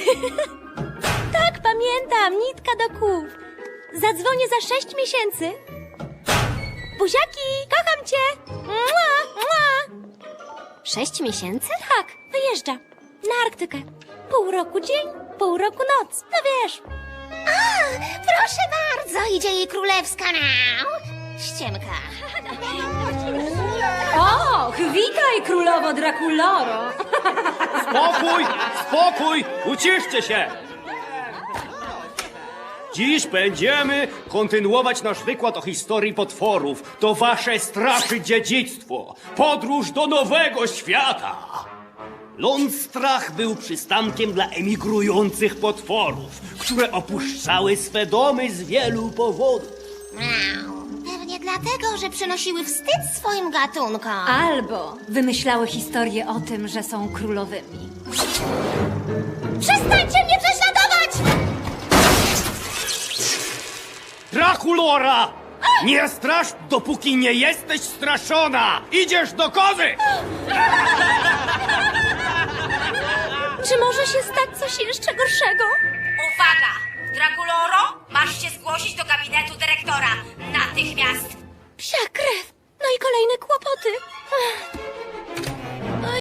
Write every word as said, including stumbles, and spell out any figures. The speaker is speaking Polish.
Tak, pamiętam, nitka do kół. Zadzwonię za sześć miesięcy. Buziaki, kocham cię. Mua, mua. Sześć miesięcy? Tak, wyjeżdża. Na Arktykę. Pół roku dzień, pół roku noc. No wiesz. A, proszę bardzo, idzie jej królewska miau. Ściemka. Och, witaj, królowo Drakuloro. Spokój, spokój, uciszcie się! Dziś będziemy kontynuować nasz wykład o historii potworów. To wasze strachy dziedzictwo. Podróż do nowego świata. Lądstrach był przystankiem dla emigrujących potworów, które opuszczały swe domy z wielu powodów. Miau. Pewnie dlatego, że przynosiły wstyd swoim gatunkom. Albo wymyślały historię o tym, że są królowymi. Przestańcie mnie prześladować! Drakulora! Nie strasz, dopóki nie jesteś straszona! Idziesz do kozy! Czy może się stać coś jeszcze gorszego? Uwaga! Drakuloro, masz się zgłosić do